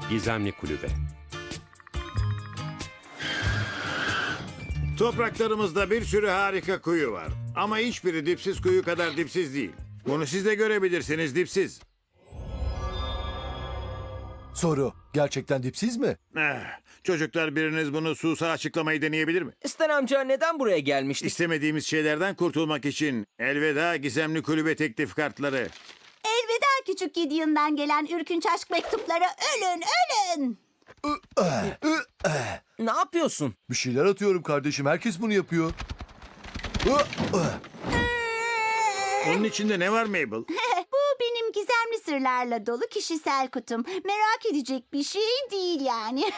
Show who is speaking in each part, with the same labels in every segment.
Speaker 1: Gizemli Kulübe.
Speaker 2: Topraklarımızda bir sürü harika kuyu var. Ama hiçbiri dipsiz kuyu kadar dipsiz değil. Bunu siz de görebilirsiniz, dipsiz.
Speaker 3: Soru, gerçekten dipsiz mi?
Speaker 2: Çocuklar, biriniz bunu Susa açıklamayı deneyebilir mi?
Speaker 4: Stan amca neden buraya gelmiştik?
Speaker 2: İstemediğimiz şeylerden kurtulmak için elveda gizemli kulübe teklif kartları.
Speaker 5: Elveda küçük Gideon'dan gelen ürkünç aşk mektupları, ölün ölün.
Speaker 4: Ne yapıyorsun?
Speaker 3: Bir şeyler atıyorum kardeşim, herkes bunu yapıyor.
Speaker 2: Onun içinde ne var Mabel?
Speaker 5: Bu benim gizemli sırlarla dolu kişisel kutum. Merak edecek bir şey değil yani.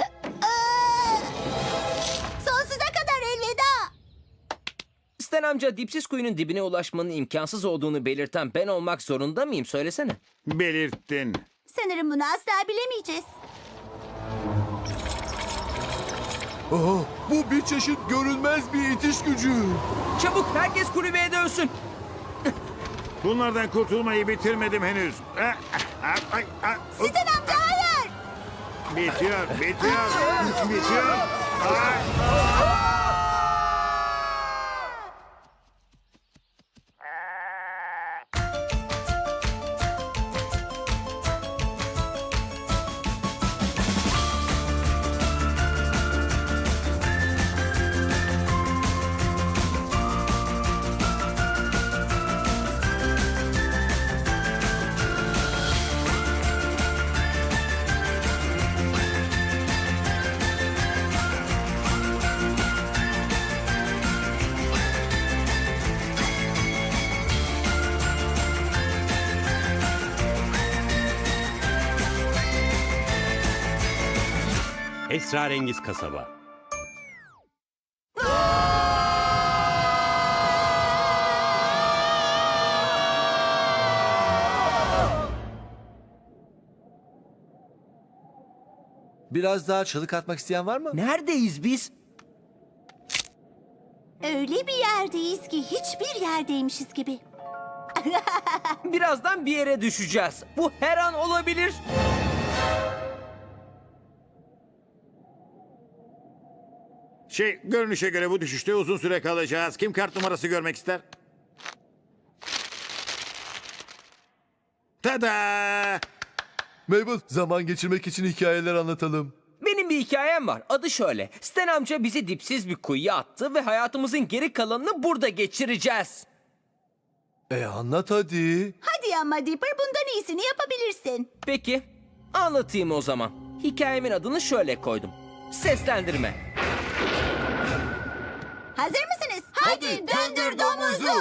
Speaker 5: Sonsuza kadar elveda.
Speaker 4: Stan amca dipsiz kuyunun dibine ulaşmanın imkansız olduğunu belirten ben olmak zorunda mıyım? Söylesene.
Speaker 2: Belirttin.
Speaker 5: Sanırım bunu asla bilemeyeceğiz.
Speaker 3: Aha, bu bir çeşit görünmez bir itiş gücü.
Speaker 4: Çabuk herkes kulübeye dönsün.
Speaker 2: Bunlardan kurtulmayı bitirmedim henüz.
Speaker 5: Stan amca hayır.
Speaker 2: Bitiyor, bitiyor, bitiyor.
Speaker 1: Esrarengiz Kasaba.
Speaker 3: Biraz daha çığlık atmak isteyen var mı?
Speaker 4: Neredeyiz biz?
Speaker 5: Öyle bir yerdeyiz ki hiçbir yerdeymişiz gibi.
Speaker 4: Birazdan bir yere düşeceğiz. Bu her an olabilir.
Speaker 2: Görünüşe göre bu düşüşte uzun süre kalacağız. Kim kart numarası görmek ister? Tada!
Speaker 3: Mabel, zaman geçirmek için hikayeler anlatalım.
Speaker 4: Benim bir hikayem var. Adı şöyle. Stan amca bizi dipsiz bir kuyuya attı ve hayatımızın geri kalanını burada geçireceğiz.
Speaker 3: Anlat hadi.
Speaker 5: Hadi ama Dipper, bundan iyisini yapabilirsin.
Speaker 4: Peki, anlatayım o zaman. Hikayemin adını şöyle koydum. Seslendirme.
Speaker 5: Hazır mısınız? Hadi döndür domuzu.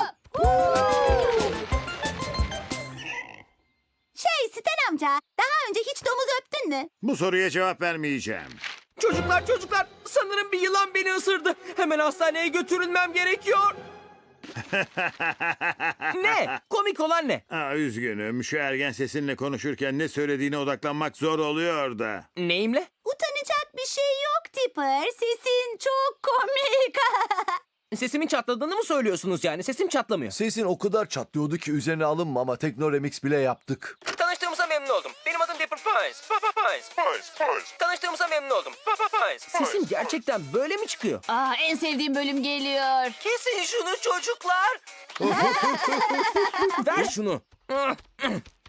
Speaker 5: Stan amca, daha önce hiç domuz öptün mü?
Speaker 2: Bu soruya cevap vermeyeceğim.
Speaker 4: Çocuklar, sanırım bir yılan beni ısırdı. Hemen hastaneye götürülmem gerekiyor. Ne? Komik olan ne?
Speaker 2: Üzgünüm. Şu ergen sesinle konuşurken ne söylediğine odaklanmak zor oluyor da.
Speaker 4: Neyimle?
Speaker 5: Utanacak bir şey yok Dipper. Sesin çok komik.
Speaker 4: Sesimin çatladığını mı söylüyorsunuz yani? Sesim çatlamıyor.
Speaker 3: Sesin o kadar çatlıyordu ki üzerine alınma ama Tekno Remix bile yaptık.
Speaker 4: Tanıştığımıza memnun oldum. Benim adım Dipper Pines. Tanıştığımıza memnun oldum. Sesim gerçekten böyle mi çıkıyor?
Speaker 6: En sevdiğim bölüm geliyor.
Speaker 4: Kesin şunu çocuklar. Ver şunu.